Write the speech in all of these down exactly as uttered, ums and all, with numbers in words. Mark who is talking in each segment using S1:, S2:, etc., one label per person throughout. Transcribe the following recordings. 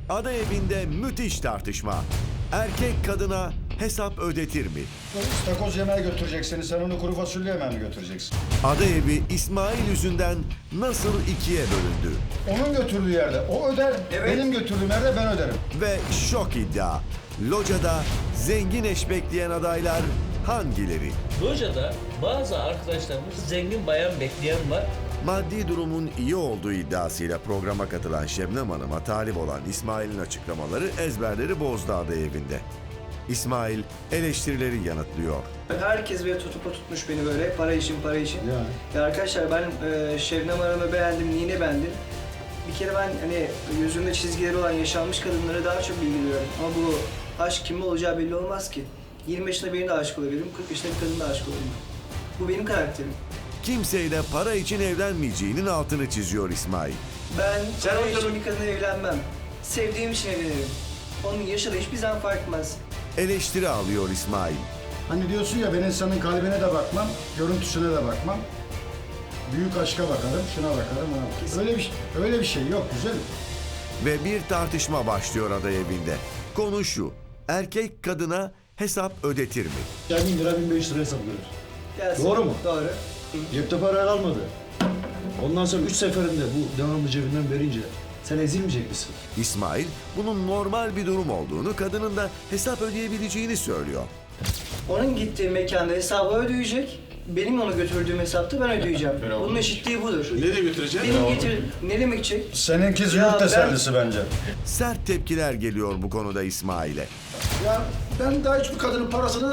S1: Ada evinde müthiş tartışma. Erkek kadına hesap ödetir mi?
S2: İstakoz yemeğe götürecek seni, sen onu kuru fasulye yemeğe mi götüreceksin?
S1: Ada evi İsmail yüzünden nasıl ikiye bölündü?
S2: Onun götürdüğü yerde o öder,
S3: Evet.
S2: benim götürdüğüm yerde ben öderim.
S1: Ve şok iddia. Locada zengin eş bekleyen adaylar hangileri?
S4: Lojada bazı arkadaşlarımız zengin bayan bekleyen var.
S1: Maddi durumun iyi olduğu iddiasıyla programa katılan Şebnem Hanım'a talip olan İsmail'in açıklamaları ezberleri bozdu Ada evinde. İsmail eleştirileri yanıtlıyor.
S3: Herkes böyle tutup tutmuş beni böyle para için para için.
S2: Ya.
S3: Ya arkadaşlar ben e, Şebnem Hanım'ı beğendim, neyini beğendim? Bir kere ben hani yüzünde çizgileri olan yaşanmış kadınlara daha çok bilgi duyuyorum. Ama bu aşk kimle olacağı belli olmaz ki. yirmi yaşında birine de aşık olabilirim, kırk yaşında bir kadına da aşık olabilirim. Bu benim karakterim.
S1: Kimseyle para için evlenmeyeceğinin altını çiziyor İsmail.
S3: Ben para için bir kadına evlenmem. Sevdiğim için evlenirim. Onun yaşı da hiçbir zaman fark etmez.
S1: Eleştiri alıyor İsmail.
S2: Hani diyorsun ya, ben insanın kalbine de bakmam, görüntüsüne de bakmam. Büyük aşka bakarım, şuna bakarım, ona bakarım. Öyle bir, şey- öyle bir şey yok güzelim.
S1: Ve bir tartışma başlıyor Ada evinde. Konu şu: erkek kadına hesap ödetir mi?
S5: Ya bin lira bin beş yüz lira hesap görür.
S3: Gelsin.
S5: Doğru mu?
S3: Doğru.
S5: Cepte para kalmadı. Ondan sonra üç seferinde bu devamlı cebinden verince sen ezilmeyecek misin?
S1: İsmail bunun normal bir durum olduğunu, kadının da hesap ödeyebileceğini söylüyor.
S3: Onun gittiği mekanda hesabı ödeyecek. Benim onu götürdüğüm hesapta ben ödeyeceğim. Bunun eşitliği budur.
S6: Nereye götüreceğim?
S3: Benim getir... Ne demek ki?
S2: Seninki
S3: Ya
S2: züğürt
S3: ben-
S2: tesellisi bence.
S1: Sert tepkiler geliyor bu konuda İsmail'e.
S5: Ya ben daha hiçbir kadının parasını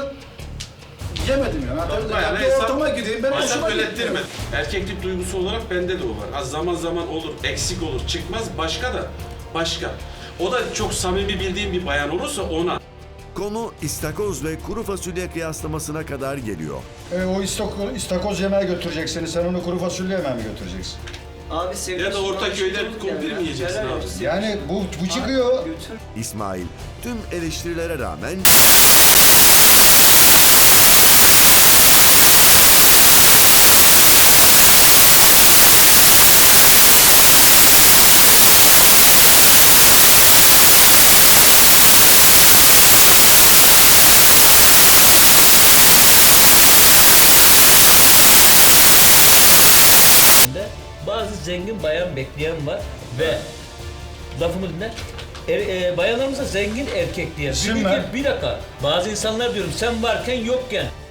S5: yemedim ya.
S6: Yapma
S5: Ya
S6: yani,
S5: bir
S6: hesap-
S5: ortama gideyim, ben
S6: hesap
S5: hoşuma gitti.
S6: öğrettirme. Erkeklik duygusu olarak bende de o var. Az zaman zaman olur, eksik olur, çıkmaz. Başka da, başka. O da çok samimi bildiğim bir bayan olursa ona.
S1: Konu istakoz ve kuru fasulye kıyaslamasına kadar geliyor.
S2: E, o istako, istakoz yemeğe götürecek seni, sen onu kuru fasulye yemeğe mi götüreceksin?
S3: Abi sevdiğim
S6: Ya da
S3: için
S6: Ortaköy'de
S3: bana şey
S6: kumpir
S3: yani.
S6: mi yiyeceksin
S3: Helal
S6: abi?
S3: olsun.
S2: Yani bu, bu çıkıyor.
S3: Götür.
S1: İsmail tüm eleştirilere rağmen
S4: Bazı zengin bayan bekleyen var ve lafımı dinle. Er, e, bayanlarımıza zengin erkek diye.
S2: İsim
S4: Bir,
S2: ver.
S4: bir dakika. Bazı insanlar diyorum sen varken yokken.